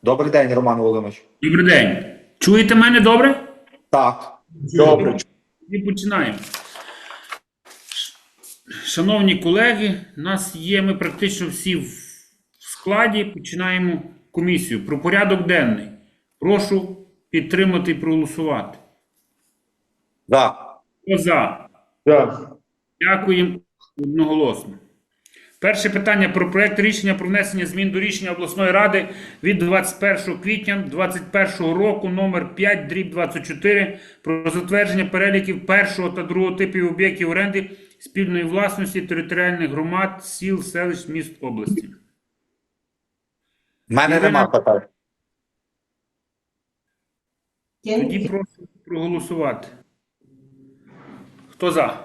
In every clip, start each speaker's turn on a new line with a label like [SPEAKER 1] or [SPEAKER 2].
[SPEAKER 1] Добрий день, Роман Володимирович.
[SPEAKER 2] Добрий день. Чуєте мене добре?
[SPEAKER 1] Так.
[SPEAKER 2] Добре. І починаємо. Шановні колеги, ми практично всі в складі. Починаємо комісію. Про порядок денний. Прошу підтримати і проголосувати.
[SPEAKER 1] За.
[SPEAKER 2] Хто за?
[SPEAKER 3] За.
[SPEAKER 2] Дякуємо одноголосно. Перше питання про проект рішення про внесення змін до рішення обласної ради від 21 квітня 2021 року номер 5/24 про затвердження переліків першого та другого типів об'єктів оренди спільної власності територіальних громад, сіл, селищ, міст області.
[SPEAKER 1] В мене нема питань.
[SPEAKER 2] Тоді прошу проголосувати. Хто за?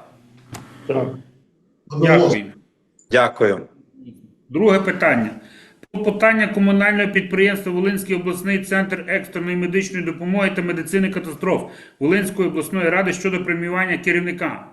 [SPEAKER 2] Дякую.
[SPEAKER 1] Дякую.
[SPEAKER 2] Друге питання. Клопотання комунального підприємства Волинський обласний центр екстреної медичної допомоги та медицини катастроф Волинської обласної ради щодо преміювання керівника.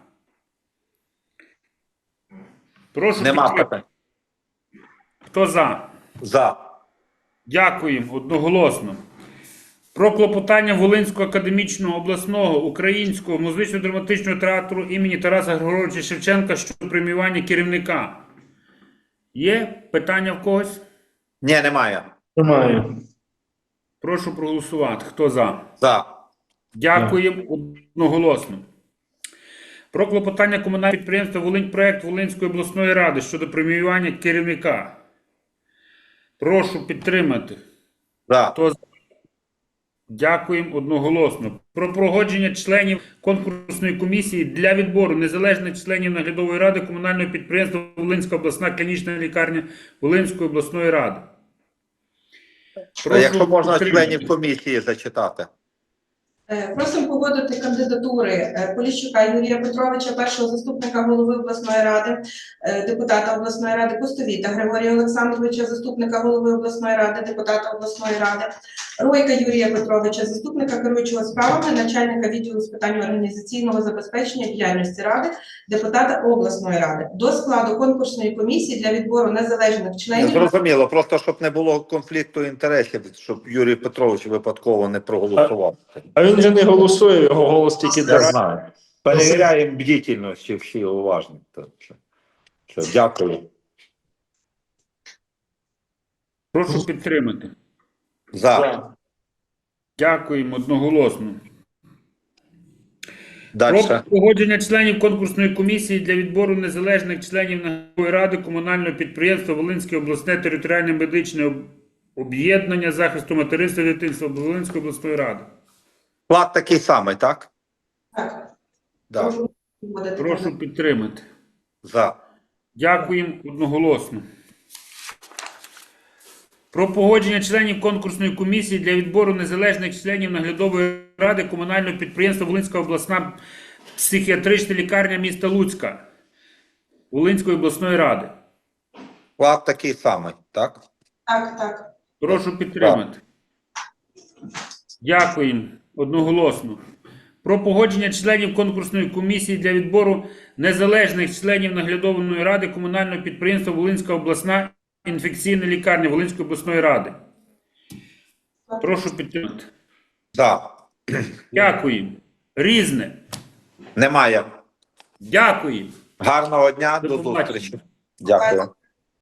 [SPEAKER 2] Прошу
[SPEAKER 1] Нема
[SPEAKER 2] підтримати.
[SPEAKER 1] питань.
[SPEAKER 2] Хто за?
[SPEAKER 1] За.
[SPEAKER 2] Дякуємо одноголосно. Про клопотання Волинського академічного обласного українського музично-драматичного театру імені Тараса Григоровича Шевченка щодо преміювання керівника. Є питання в когось?
[SPEAKER 1] Ні, немає.
[SPEAKER 3] Немає.
[SPEAKER 2] Прошу проголосувати. Хто за?
[SPEAKER 1] За.
[SPEAKER 2] Дякуємо одноголосно. Про клопотання комунального підприємства «Волиньпроект» Волинської обласної ради щодо преміювання керівника. Прошу підтримати.
[SPEAKER 1] За.
[SPEAKER 2] Хто за? Дякуємо одноголосно. Про погодження членів конкурсної комісії для відбору незалежних членів наглядової ради комунального підприємства Волинська обласна клінічна лікарня Волинської обласної ради.
[SPEAKER 1] Якщо можна
[SPEAKER 2] підтримати.
[SPEAKER 1] членів комісії зачитати.
[SPEAKER 4] Просимо погодити кандидатури Поліщука Юрія Петровича, першого заступника голови обласної ради, депутата обласної ради, Пустовіта Григорія Олександровича, заступника голови обласної ради, депутата обласної ради, Ройка Юрія Петровича, заступника керуючого справами, начальника відділу з питань організаційного забезпечення діяльності ради, депутата обласної ради. До складу конкурсної комісії для відбору незалежних членів.
[SPEAKER 1] Зрозуміло, просто щоб не було конфлікту інтересів, щоб Юрій Петрович випадково не проголосував.
[SPEAKER 3] А він же не голосує, його голос тільки
[SPEAKER 1] Я
[SPEAKER 3] дарує.
[SPEAKER 1] знаю. Перевіряємо бдительність, чи всі уважні. Дякую.
[SPEAKER 2] Прошу підтримати.
[SPEAKER 1] За.
[SPEAKER 2] Дякуємо одноголосно.
[SPEAKER 1] Далі.
[SPEAKER 2] Про погодження членів конкурсної комісії для відбору незалежних членів наглядової ради комунального підприємства Волинське обласне територіальне медичне об'єднання захисту материнства і дитинства Волинської обласної ради.
[SPEAKER 1] Склад такий самий, так?
[SPEAKER 4] Так.
[SPEAKER 1] Да.
[SPEAKER 4] Прошу погодити.
[SPEAKER 2] Прошу підтримати.
[SPEAKER 1] За.
[SPEAKER 2] Дякуємо одноголосно. Про погодження членів конкурсної комісії для відбору незалежних членів наглядової ради комунального підприємства Волинська обласна психіатрична лікарня міста Луцька Волинської обласної ради.
[SPEAKER 1] Склад такий самий, так?
[SPEAKER 4] Так, так.
[SPEAKER 2] Прошу підтримати. Дякуємо одноголосно. Про погодження членів конкурсної комісії для відбору незалежних членів наглядової ради комунального підприємства Волинська обласна інфекційна лікарня Волинської обласної ради. Прошу підтримати.
[SPEAKER 1] За.
[SPEAKER 2] Дякуємо. Різне.
[SPEAKER 1] Немає.
[SPEAKER 2] Дякуємо.
[SPEAKER 1] Гарного дня,
[SPEAKER 2] До
[SPEAKER 1] до
[SPEAKER 2] побачення.
[SPEAKER 1] зустрічі. Дякую.